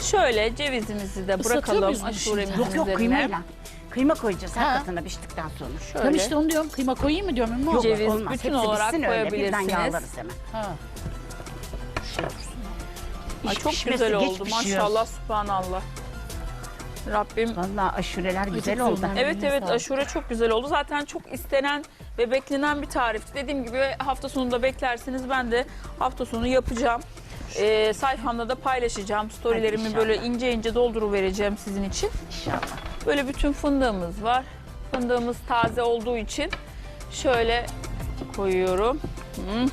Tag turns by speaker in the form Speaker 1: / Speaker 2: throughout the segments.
Speaker 1: Şöyle cevizimizi de bırakalım
Speaker 2: muyuz bunu
Speaker 1: aşuremizin
Speaker 2: şimdi?
Speaker 3: Yok
Speaker 1: üzerine.
Speaker 3: kıymayla. Kıyma koyacağız her
Speaker 2: Ha.
Speaker 3: katına piştikten sonra.
Speaker 1: Şöyle.
Speaker 2: Ben işte onu diyorum. Kıyma koyayım mı diyorum. Ümmü abla?
Speaker 1: Ceviz
Speaker 3: Olmaz.
Speaker 1: bütün
Speaker 3: Hepsi
Speaker 1: olarak
Speaker 3: bitsin öyle. Birden
Speaker 1: koyabilirsiniz.
Speaker 3: yağlarız hemen.
Speaker 2: Ha.
Speaker 1: Ay, çok
Speaker 3: pişmesi
Speaker 1: güzel
Speaker 3: geç
Speaker 1: oldu
Speaker 3: pişiyor.
Speaker 1: maşallah subhanallah. Rabbim.
Speaker 3: Vallahi aşureler güzel
Speaker 2: güzel
Speaker 3: oldu.
Speaker 2: oldu.
Speaker 1: Evet
Speaker 2: Eline
Speaker 1: evet
Speaker 2: sağlık.
Speaker 1: aşure çok güzel oldu. Zaten çok istenen ve beklenen bir tarifti. Dediğim gibi hafta sonunda beklersiniz. Ben de hafta sonu yapacağım. Sayfamda da paylaşacağım. Storylerimi
Speaker 3: Hadi
Speaker 1: böyle
Speaker 3: inşallah.
Speaker 1: ince ince dolduruvereceğim sizin için.
Speaker 3: İnşallah.
Speaker 1: Böyle bütün fındığımız var. Fındığımız taze olduğu için şöyle koyuyorum. Hı.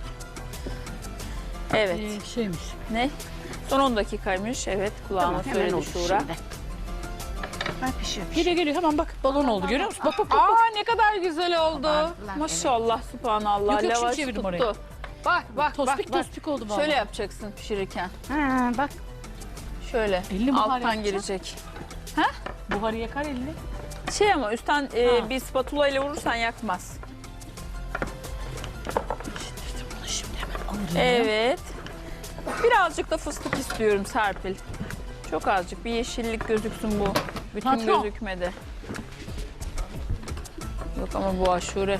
Speaker 1: Evet.
Speaker 2: Şeymiş.
Speaker 1: Ne? Son 10 dakikaymış. Evet kulağıma
Speaker 3: Tamam hemen
Speaker 1: söyledi
Speaker 3: oldu
Speaker 1: Şura.
Speaker 3: şimdi. Ay pişiyor.
Speaker 2: Geliyor geliyor hemen bak balon oldu görüyor musun? Bak bak bak.
Speaker 1: Aa ne kadar güzel oldu.
Speaker 3: Kabardılar,
Speaker 1: Maşallah subhanallah.
Speaker 2: Yok, yok, şimdi
Speaker 1: Lavaş
Speaker 2: çevirdim
Speaker 1: tuttu.
Speaker 2: orayı.
Speaker 1: Bak bak
Speaker 2: Tospik
Speaker 1: bak.
Speaker 2: tospik oldu vallahi.
Speaker 1: Şöyle yapacaksın pişirirken.
Speaker 3: Ha, bak
Speaker 1: Şöyle
Speaker 2: Elini buhar
Speaker 1: alttan
Speaker 2: yapacağım.
Speaker 1: gelecek.
Speaker 2: Buharı yakar elini.
Speaker 1: Şey ama üstten
Speaker 2: Ha.
Speaker 1: bir spatula ile vurursan yakmaz.
Speaker 2: Bunu şimdi hemen alırım.
Speaker 1: Evet. Birazcık da fıstık istiyorum Serpil. Çok azıcık bir yeşillik gözüksün bu. Bütün
Speaker 2: Patron.
Speaker 1: gözükmedi. Yok ama bu aşure.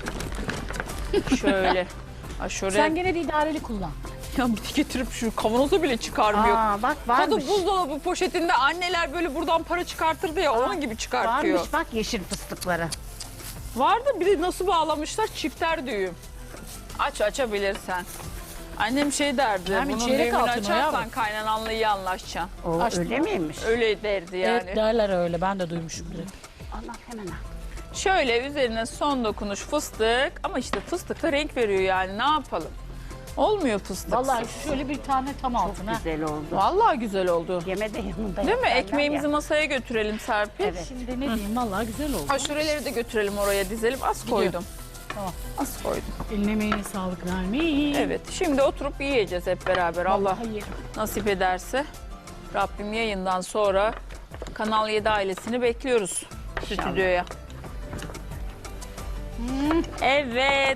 Speaker 1: Şöyle. Aşure.
Speaker 2: Sen gene de idareli kullan.
Speaker 1: Ya getirip şu kavanoza bile çıkarmıyor.
Speaker 3: Aa, bak
Speaker 1: Kadın
Speaker 3: varmış.
Speaker 1: buzdolabı poşetinde anneler böyle buradan para çıkartırdı ya onun gibi çıkartıyor.
Speaker 3: Varmış bak yeşil fıstıkları.
Speaker 1: Vardı bir de nasıl bağlamışlar çifter düğüm. Açabilirsen. Annem şey derdi,
Speaker 2: Nermin,
Speaker 1: bunun
Speaker 2: çeyrek
Speaker 1: düğümünü
Speaker 2: altın o
Speaker 1: açarsan
Speaker 2: yavrum.
Speaker 1: kaynananla iyi anlaşacaksın.
Speaker 3: O
Speaker 2: Açtım.
Speaker 3: öyle miymiş?
Speaker 1: Öyle derdi yani.
Speaker 2: Evet derler öyle ben de duymuşum direkt.
Speaker 3: Allah hemen al.
Speaker 1: Şöyle üzerine son dokunuş fıstık ama işte fıstık da renk veriyor yani ne yapalım. Olmuyor fıstık.
Speaker 2: Vallahi şöyle bir tane tam altın ha.
Speaker 3: Güzel oldu.
Speaker 1: Vallahi güzel oldu.
Speaker 3: Yeme de yanında
Speaker 1: Değil mi?
Speaker 3: yaparlar
Speaker 1: Ekmeğimizi
Speaker 3: ya.
Speaker 1: masaya götürelim Serpil.
Speaker 3: Evet.
Speaker 2: Şimdi ne diyeyim vallahi güzel oldu.
Speaker 1: Aşureleri de götürelim oraya dizelim. Az
Speaker 2: Gidiyor.
Speaker 1: koydum.
Speaker 2: Tamam.
Speaker 1: Az koydum.
Speaker 2: Eline emeğine sağlık Nermin.
Speaker 1: Evet. Şimdi oturup yiyeceğiz hep beraber. Allah
Speaker 2: Vallahi yerim.
Speaker 1: nasip ederse. Rabbim yayından sonra Kanal 7 ailesini bekliyoruz
Speaker 3: İnşallah.
Speaker 1: stüdyoya. Evet.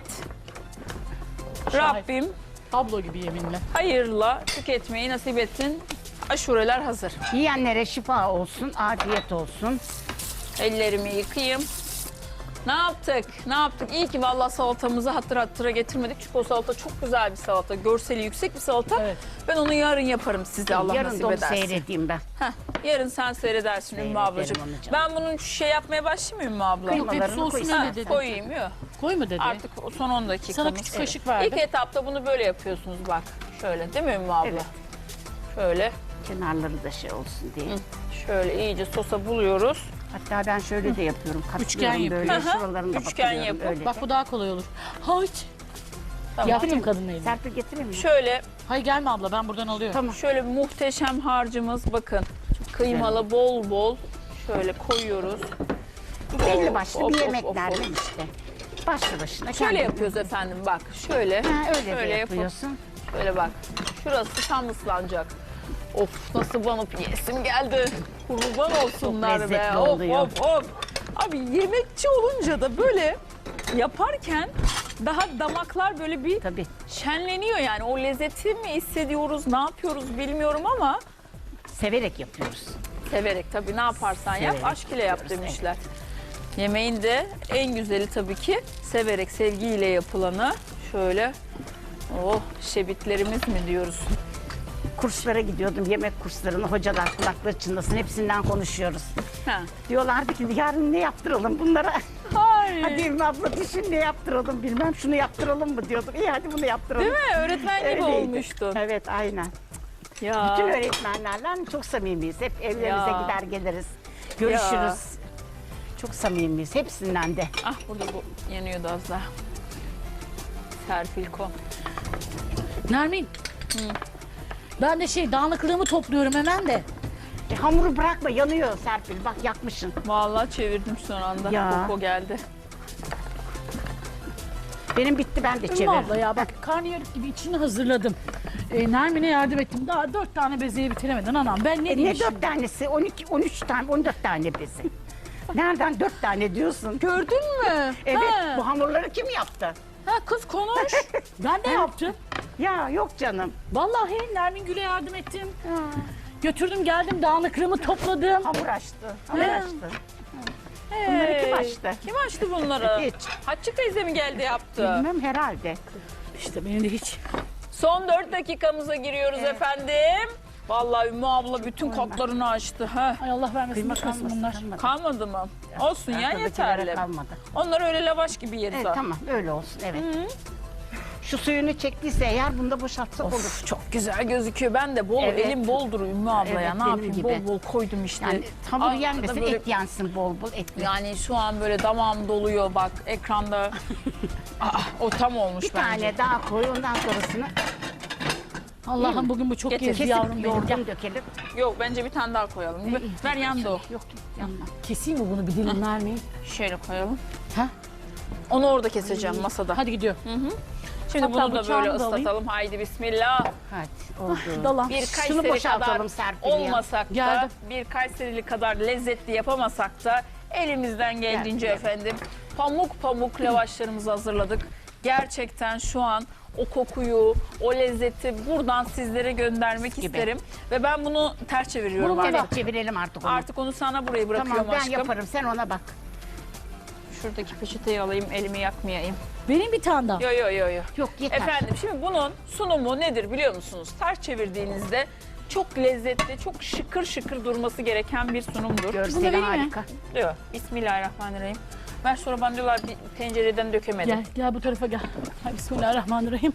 Speaker 2: Şahit.
Speaker 1: Rabbim
Speaker 2: Tablo gibi yeminle.
Speaker 1: hayırla tüketmeyi nasip etsin. Aşureler hazır.
Speaker 3: Yiyenlere şifa olsun, afiyet olsun.
Speaker 1: Ellerimi yıkayayım. Ne yaptık? Ne yaptık? İyi ki vallahi salatamızı hatır hattıra getirmedik. Çünkü o salata çok güzel bir salata. Görseli yüksek bir salata.
Speaker 2: Evet.
Speaker 1: Ben onu yarın yaparım size Allah
Speaker 3: Yarın
Speaker 1: nasip
Speaker 3: da onu
Speaker 1: ederse.
Speaker 3: seyredeyim ben.
Speaker 1: Heh, yarın sen seyredersin Ümmü
Speaker 3: Seyrederim
Speaker 1: ablacığım.
Speaker 3: onu canım.
Speaker 1: Ben bunun şey yapmaya başlayayım mı Ümmü abla?
Speaker 2: Yok hepsi
Speaker 3: Kıymalarını
Speaker 2: olsun
Speaker 3: koy.
Speaker 2: öyle
Speaker 1: Ha,
Speaker 2: dedi.
Speaker 1: koyayım yok.
Speaker 2: Koyma dedi.
Speaker 1: Artık son 10 dakikamız.
Speaker 2: Sana küçük kaşık verdim.
Speaker 1: İlk etapta bunu böyle yapıyorsunuz bak. Şöyle değil mi Ümmü abla?
Speaker 3: Evet.
Speaker 1: Şöyle,
Speaker 3: Kenarları da şey olsun diye.
Speaker 1: şöyle iyice sosa buluyoruz.
Speaker 3: Hatta ben şöyle de yapıyorum.
Speaker 2: Üçgen
Speaker 3: Katlıyorum böyle
Speaker 2: yapıyorum.
Speaker 3: şuralarını da
Speaker 1: Üçgen
Speaker 3: batırıyorum
Speaker 1: yapın.
Speaker 3: öyle.
Speaker 2: Bak bu daha kolay olur. Hayır.
Speaker 1: Tamam.
Speaker 2: Yaptım kadın elini.
Speaker 3: Serpil getireyim mi?
Speaker 1: Şöyle,
Speaker 2: Hayır gelme abla ben buradan alıyorum.
Speaker 3: Tamam.
Speaker 1: şöyle bir muhteşem harcımız bakın. Kıymalı bol bol şöyle koyuyoruz.
Speaker 3: Belli başlı
Speaker 1: Of,
Speaker 3: bir
Speaker 1: of,
Speaker 3: yemeklerden
Speaker 1: of, of.
Speaker 3: işte. Başlı başına.
Speaker 1: Şöyle
Speaker 3: kendin-
Speaker 1: yapıyoruz efendim bak. Şöyle.
Speaker 3: Ha, öyle de
Speaker 1: şöyle
Speaker 3: yapıyorsun.
Speaker 1: Şöyle bak. Şurası tam ıslanacak. Of nasıl banıp yesim geldi. Kurban olsunlar
Speaker 3: Çok
Speaker 1: be.
Speaker 3: lezzetli
Speaker 1: Of
Speaker 3: oluyor.
Speaker 1: of of. Abi yemekçi olunca da böyle yaparken daha damaklar böyle bir
Speaker 3: Tabii.
Speaker 1: şenleniyor yani. O lezzeti mi hissediyoruz, ne yapıyoruz bilmiyorum ama
Speaker 3: Severek yapıyoruz.
Speaker 1: severek tabii ne yaparsan yap,
Speaker 3: Severek
Speaker 1: aşk ile yap
Speaker 3: yapıyoruz,
Speaker 1: demişler. Yemeğin de en güzeli tabii ki severek, sevgiyle yapılanı. Şöyle, oh şebitlerimiz mi diyoruz?
Speaker 3: Kurslara gidiyordum, yemek kurslarına. Hocalar kulakları çınlasın, hepsinden konuşuyoruz.
Speaker 1: Ha.
Speaker 3: Diyorlardı ki yarın ne yaptıralım bunlara?
Speaker 1: Ay.
Speaker 3: Hadi İlmi abla düşün ne yaptıralım bilmem şunu yaptıralım mı diyordum. İyi hadi bunu yaptıralım.
Speaker 1: Değil mi? Öğretmen gibi
Speaker 3: Öyleydi.
Speaker 1: olmuştun.
Speaker 3: Evet aynen.
Speaker 1: Ya.
Speaker 3: Bütün öğretmenlerle çok samimiyiz. Hep evlerimize
Speaker 1: Ya.
Speaker 3: gider geliriz. Görüşürüz.
Speaker 1: Ya.
Speaker 3: Çok samimiyiz hepsinden de.
Speaker 1: Ah burada bu yanıyordu az daha. Serpilko.
Speaker 2: Nermin. Ben de dağınıklığımı topluyorum hemen de.
Speaker 3: Hamuru bırakma yanıyor Serpil bak yakmışsın.
Speaker 1: Vallahi çevirdim son anda.
Speaker 3: Ya.
Speaker 1: Koko geldi.
Speaker 3: Benim bitti ben de
Speaker 2: Ümmü
Speaker 3: çeviririm.
Speaker 2: abla ya bak karnıyarık gibi içini hazırladım. Nermin'e yardım ettim. Daha 4 tane bezeyi bitiremedin anam. Ben ne diyeyim
Speaker 3: Ne
Speaker 2: şimdi?
Speaker 3: 4 tanesi? 12, 13 tane, 14 tane bezi. Nereden 4 tane diyorsun?
Speaker 1: Gördün mü?
Speaker 3: Evet,
Speaker 1: Ha.
Speaker 3: bu hamurları kim yaptı?
Speaker 1: Ha kız konuş.
Speaker 2: Ben de yaptım.
Speaker 3: Ya yok canım.
Speaker 2: Vallahi Nermin Gül'e yardım ettim. Götürdüm geldim dağınıklığımı topladım.
Speaker 3: Hamur açtı. Hamur açtı. Bunları kim açtı?
Speaker 1: Kim açtı bunları?
Speaker 3: Hiç.
Speaker 1: Hatice teyze mi geldi yaptı?
Speaker 3: Bilmem herhalde.
Speaker 2: İşte benim de hiç.
Speaker 1: Son 4 dakikamıza giriyoruz efendim. Vallahi Ümmü abla bütün katlarını açtı. Ha.
Speaker 2: Ay Allah vermesin
Speaker 3: Kıyma
Speaker 2: başkasın
Speaker 3: kalmasın.
Speaker 2: bunlar.
Speaker 3: Kalmadı.
Speaker 1: Kalmadı mı? Olsun ya,
Speaker 3: Arkadakilere
Speaker 1: yeterli.
Speaker 3: kalmadı.
Speaker 1: Onları öyle lavaş gibi yeriz.
Speaker 3: Evet
Speaker 1: ha.
Speaker 3: tamam öyle olsun evet. Şu suyunu çektiyse eğer bunu da boşaltsak olur.
Speaker 1: Of, çok güzel gözüküyor. Ben de bol,
Speaker 3: Evet.
Speaker 1: elim boldur Ümmü abla ya.
Speaker 3: Evet,
Speaker 1: Ne
Speaker 3: benim
Speaker 1: yapayım?
Speaker 3: gibi.
Speaker 1: Bol bol koydum işte.
Speaker 3: Yani hamur
Speaker 1: Arkada
Speaker 3: yenmesin
Speaker 1: böyle-
Speaker 3: et yansın bol bol etli.
Speaker 1: Yani şu an böyle damağım doluyor bak ekranda. O tam olmuş
Speaker 3: Bir
Speaker 1: bence.
Speaker 3: tane daha koy ondan sonrasını
Speaker 2: Allah'ım bugün bu çok
Speaker 1: Getir.
Speaker 2: gezdi
Speaker 3: kesip
Speaker 2: yavrum benim. Gel.
Speaker 3: yoğurdum dökelim.
Speaker 1: Yok, bence bir tane daha koyalım. Ver yandı o.
Speaker 3: Yok yanma.
Speaker 2: Keseyim mi bunu bir dilim vermeyeyim?
Speaker 1: Şöyle koyalım.
Speaker 2: Ha?
Speaker 1: Onu orada keseceğim masada.
Speaker 2: Hadi gidiyor.
Speaker 1: Şimdi
Speaker 2: Hatta
Speaker 1: bunu da
Speaker 2: bıçağını
Speaker 1: böyle
Speaker 2: da alayım.
Speaker 1: ıslatalım. Haydi bismillah.
Speaker 3: Hadi oldu.
Speaker 2: Dala.
Speaker 1: Bir
Speaker 3: Şunu
Speaker 1: Kayseri kadar
Speaker 3: boşaltalım Serpil ya.
Speaker 1: olmasak da,
Speaker 2: Geldim.
Speaker 1: bir Kayserili kadar lezzetli yapamasak da elimizden geldiğince
Speaker 3: Gel.
Speaker 1: efendim pamuk pamuk lavaşlarımızı hazırladık. Gerçekten şu an o kokuyu, o lezzeti buradan sizlere göndermek
Speaker 3: Gibi.
Speaker 1: isterim. Ve ben bunu ters çeviriyorum
Speaker 2: Bunu
Speaker 1: artık.
Speaker 3: Evet çevirelim artık onu.
Speaker 1: Artık onu sana buraya bırakıyorum
Speaker 3: Tamam ben
Speaker 1: aşkım.
Speaker 3: yaparım sen ona bak.
Speaker 1: Şuradaki peçeteyi alayım, elimi yakmayayım.
Speaker 2: Benim bir tane daha.
Speaker 1: Yo yo yo yo.
Speaker 3: Yok yeter.
Speaker 1: Efendim şimdi bunun sunumu nedir biliyor musunuz? Ters çevirdiğinizde çok lezzetli, çok şıkır şıkır durması gereken bir sunumdur.
Speaker 2: Bunu
Speaker 3: Görseli
Speaker 2: vereyim mi?
Speaker 3: harika.
Speaker 1: Diyor. Bismillahirrahmanirrahim. Ver sonra bana diyorlar bir tencereden dökemedim.
Speaker 2: Gel gel bu tarafa gel. Hay Bismillahirrahmanirrahim.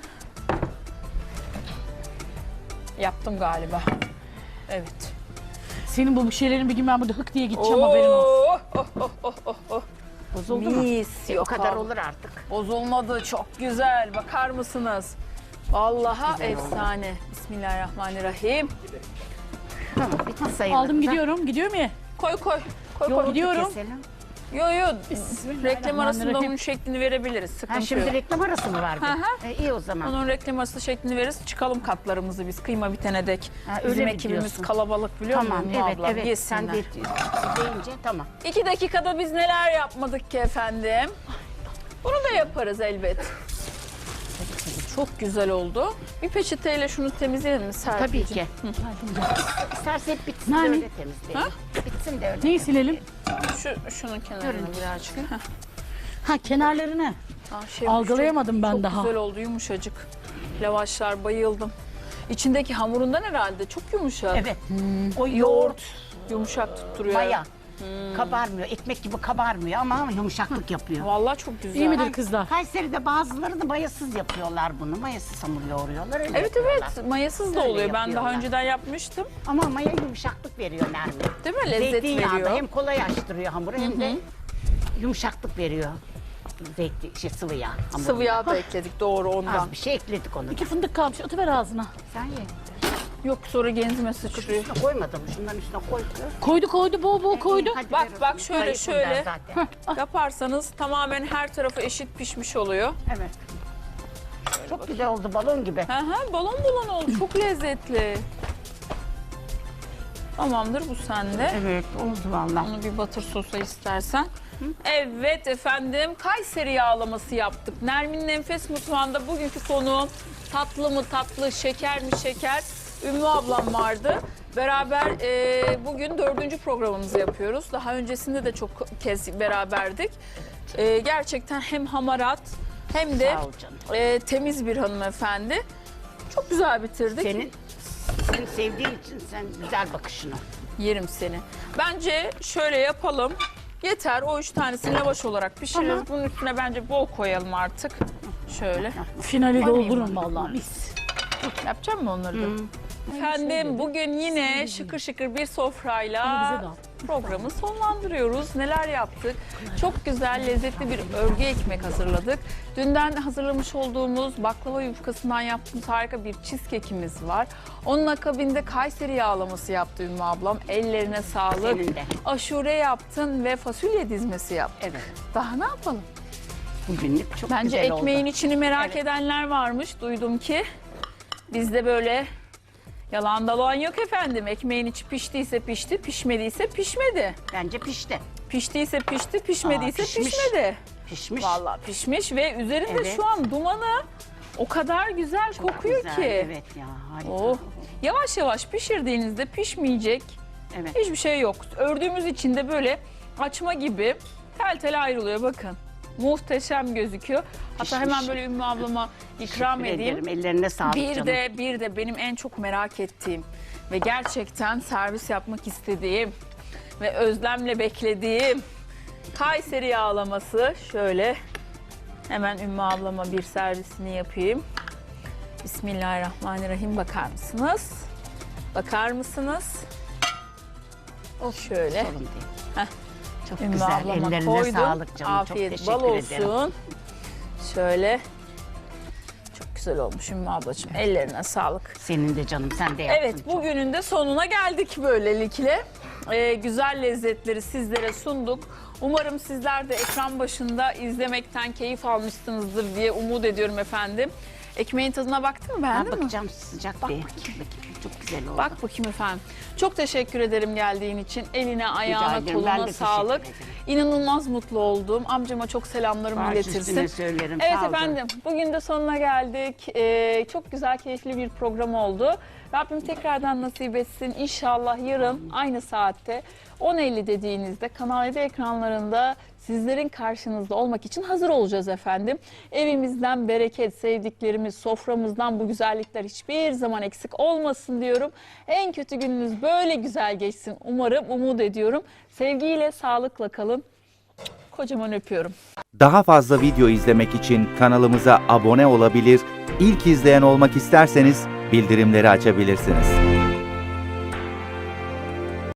Speaker 1: Yaptım galiba. Evet.
Speaker 2: Senin bu şeylerin bir gün ben burada hık diye gideceğim haberin olsun.
Speaker 3: Bozuldu mu?
Speaker 1: Mis
Speaker 3: O
Speaker 1: yok
Speaker 3: kadar
Speaker 1: abi.
Speaker 3: olur artık.
Speaker 1: Bozulmadı, çok güzel. Bakar mısınız? Vallahi
Speaker 3: güzel oldu.
Speaker 1: efsane. Bismillahirrahmanirrahim.
Speaker 3: Tamam bitti sayılır.
Speaker 2: Aldım gidiyorum. Gidiyorum ya.
Speaker 1: Koy koy. Koy
Speaker 2: Yo,
Speaker 1: koy.
Speaker 2: gidiyorum.
Speaker 3: Keselim.
Speaker 1: Yo yo. Reklam
Speaker 2: Bismillahirrahmanirrahim.
Speaker 1: arasında onun şeklini verebiliriz. Sıkıntı
Speaker 3: Ha şimdi
Speaker 1: yok.
Speaker 3: reklam arası mı vardı?
Speaker 1: Hı hı.
Speaker 3: İyi o zaman.
Speaker 1: Onun reklam arası şeklini veririz. Çıkalım katlarımızı biz kıyma bitene dek.
Speaker 3: Ha, öyle
Speaker 1: Bizim
Speaker 3: mi
Speaker 1: ekibimiz
Speaker 3: diyorsun?
Speaker 1: kalabalık biliyor
Speaker 3: Tamam
Speaker 1: musun
Speaker 3: evet
Speaker 1: ablam?
Speaker 3: evet.
Speaker 1: Yesinler.
Speaker 3: Sen de deyince tamam.
Speaker 1: 2 dakikada biz neler yapmadık ki efendim? Bunu da yaparız elbet. Çok güzel oldu. Bir peçeteyle şunu temizleyelim mi
Speaker 3: Tabii
Speaker 1: Serpil'ciğim?
Speaker 3: ki. İsterse hep bitsin
Speaker 2: Nermin?
Speaker 3: de öyle temizleyelim. Bitsin de öyle.
Speaker 2: Neyi silelim?
Speaker 1: Şunun kenarını birazcık. Heh.
Speaker 2: Ha kenarlarını.
Speaker 1: Şey,
Speaker 2: Algılayamadım ben
Speaker 1: çok
Speaker 2: daha.
Speaker 1: güzel oldu, yumuşacık. Lavaşlar, bayıldım. İçindeki hamurundan herhalde çok yumuşak.
Speaker 3: Evet. O
Speaker 1: Yoğurt yumuşak tutturuyor.
Speaker 3: maya. Kabarmıyor. Ekmek gibi kabarmıyor ama yumuşaklık yapıyor.
Speaker 1: Vallahi çok güzel.
Speaker 2: İyi midir kızlar?
Speaker 3: Kayseri'de bazıları da mayasız yapıyorlar bunu. Mayasız hamur yoğuruyorlar. Öyle
Speaker 1: Evet
Speaker 3: yapıyorlar.
Speaker 1: evet, mayasız da
Speaker 3: Öyle
Speaker 1: oluyor. Ben daha
Speaker 3: yapıyorlar.
Speaker 1: önceden yapmıştım.
Speaker 3: Ama maya yumuşaklık veriyor Nermin.
Speaker 1: Değil mi? Lezzet
Speaker 3: Zeytinyağında
Speaker 1: veriyor.
Speaker 3: hem kolay açtırıyor hamuru hem de yumuşaklık veriyor. Sıvı yağ. hamuruna.
Speaker 1: Sıvı yağ da ekledik doğru ondan.
Speaker 3: Az bir şey ekledik onu.
Speaker 2: İki fındık kalmış. Atıver ağzına.
Speaker 3: Sen ye.
Speaker 1: Yok sonra genzime sıçrıyor.
Speaker 3: Üstüne koymadım. Şundan üstüne koy.
Speaker 2: Koydu bol bol koydu.
Speaker 3: Hadi
Speaker 1: Bak,
Speaker 3: ver o
Speaker 1: bak,
Speaker 3: zaman.
Speaker 1: şöyle,
Speaker 3: Zayıfım ben
Speaker 1: şöyle.
Speaker 3: zaten.
Speaker 1: Yaparsanız tamamen her tarafı eşit pişmiş oluyor.
Speaker 3: Evet. Çok güzel oldu balon gibi.
Speaker 1: Hı hı, balon balon oldu. Çok lezzetli. Tamamdır, bu sende.
Speaker 3: Evet oldu vallahi.
Speaker 1: Onu bir batır sosa istersen. Evet efendim, Kayseri yağlaması yaptık. Nermin'in Enfes Mutfağı'nda bugünkü konuğum tatlı mı tatlı, şeker mi şeker, Ümmü ablam vardı. Beraber bugün 4. programımızı yapıyoruz. Daha öncesinde de çok kez beraberdik. Gerçekten hem hamarat hem de
Speaker 3: Sağ ol canım.
Speaker 1: temiz bir hanımefendi. Çok güzel bitirdik.
Speaker 3: Seni sevdiğim için sen güzel bakışını.
Speaker 1: Yerim seni. Bence şöyle yapalım. Yeter, o 3 tanesini lavaş olarak pişiririz. Bunun üstüne bence bol koyalım artık. Şöyle.
Speaker 2: Finali doldururum vallahi mis.
Speaker 1: Yapacağım mı onları da? Efendim bugün yine şıkır şıkır bir
Speaker 2: Ama bize
Speaker 1: sofrayla
Speaker 2: de al.
Speaker 1: programı sonlandırıyoruz. Neler yaptık? Çok güzel, lezzetli bir örgü ekmek hazırladık. Dünden hazırlamış olduğumuz baklava yufkasından yaptığımız harika bir cheesecake'imiz var. Onun akabinde Kayseri yağlaması yaptı Ümmü ablam. Ellerine sağlık.
Speaker 3: Senin de.
Speaker 1: Aşure yaptın ve fasulye dizmesi yaptın.
Speaker 3: Evet.
Speaker 1: Daha ne yapalım?
Speaker 3: Bugünlük çok
Speaker 1: Bence
Speaker 3: güzel
Speaker 1: ekmeğin
Speaker 3: oldu.
Speaker 1: içini merak
Speaker 3: Evet.
Speaker 1: edenler varmış. Duydum ki bizde böyle yalan dalan yok efendim. Ekmeğin içi piştiyse pişti, pişmediyse pişmedi.
Speaker 3: Bence pişti.
Speaker 1: Piştiyse pişti, pişmediyse
Speaker 3: pişmiş.
Speaker 1: pişmedi.
Speaker 3: Pişmiş.
Speaker 1: Vallahi pişmiş ve üzerinde
Speaker 3: Evet.
Speaker 1: şu an dumanı o kadar güzel
Speaker 3: Çok
Speaker 1: kokuyor
Speaker 3: güzel.
Speaker 1: ki.
Speaker 3: Evet ya harika.
Speaker 1: Oh, Yavaş yavaş pişirdiğinizde pişmeyecek
Speaker 3: Evet.
Speaker 1: hiçbir şey yok. Ördüğümüz için de böyle açma gibi tel tel ayrılıyor bakın. Muhteşem gözüküyor. Hatta
Speaker 3: Pişmiş.
Speaker 1: hemen böyle Ümmü ablama ikram
Speaker 3: Teşekkür
Speaker 1: edeyim.
Speaker 3: ederim. Ellerine sağlık
Speaker 1: Bir
Speaker 3: canım.
Speaker 1: de benim en çok merak ettiğim ve gerçekten servis yapmak istediğim ve özlemle beklediğim Kayseri yağlaması. Şöyle hemen Ümmü ablama bir servisini yapayım. Bismillahirrahmanirrahim. Bakar mısınız? Bakar mısınız? Şöyle.
Speaker 3: Sorun değil.
Speaker 1: Heh.
Speaker 3: Çok
Speaker 1: Ümmü
Speaker 3: güzel.
Speaker 1: ablama
Speaker 3: Ellerine
Speaker 1: koydum.
Speaker 3: sağlık canım.
Speaker 1: Afiyet
Speaker 3: Çok
Speaker 1: bal
Speaker 3: teşekkür ederim.
Speaker 1: olsun. Şöyle. Çok güzel olmuş Ümmü ablacığım. Ellerine sağlık.
Speaker 3: Senin de canım. Sen de yaptın.
Speaker 1: Evet, bugünün de sonuna geldik böylelikle. Güzel lezzetleri sizlere sunduk. Umarım sizler de ekran başında izlemekten keyif almışsınızdır diye umut ediyorum efendim. Ekmeğin tadına baktın mı,
Speaker 3: Ha,
Speaker 1: beğendin mi?
Speaker 3: bakacağım sıcak
Speaker 1: Bak
Speaker 3: bir.
Speaker 1: bakayım.
Speaker 3: Bakayım. Çok güzel oldu.
Speaker 1: Bak bakayım efendim. Çok teşekkür ederim geldiğin için. Eline, ayağına,
Speaker 3: ederim. Ben de
Speaker 1: koluna
Speaker 3: teşekkür
Speaker 1: sağlık.
Speaker 3: ederim.
Speaker 1: İnanılmaz mutlu oldum. Amcama çok selamlarımı
Speaker 3: Baş
Speaker 1: iletirsin.
Speaker 3: üstüne söylerim.
Speaker 1: Evet
Speaker 3: Sağ ol canım.
Speaker 1: efendim, bugün de sonuna geldik. Çok güzel, keyifli bir program oldu. Rabbim tekrardan nasip etsin. İnşallah yarın aynı saatte 10.50 dediğinizde Kanal 7 ekranlarında sizlerin karşınızda olmak için hazır olacağız efendim. Evimizden bereket, sevdiklerimiz, soframızdan bu güzellikler hiçbir zaman eksik olmasın diyorum. En kötü gününüz böyle güzel geçsin umarım, umut ediyorum. Sevgiyle, sağlıkla kalın. Kocaman öpüyorum.
Speaker 4: Daha fazla video izlemek için kanalımıza abone olabilir, ilk izleyen olmak isterseniz bildirimleri açabilirsiniz.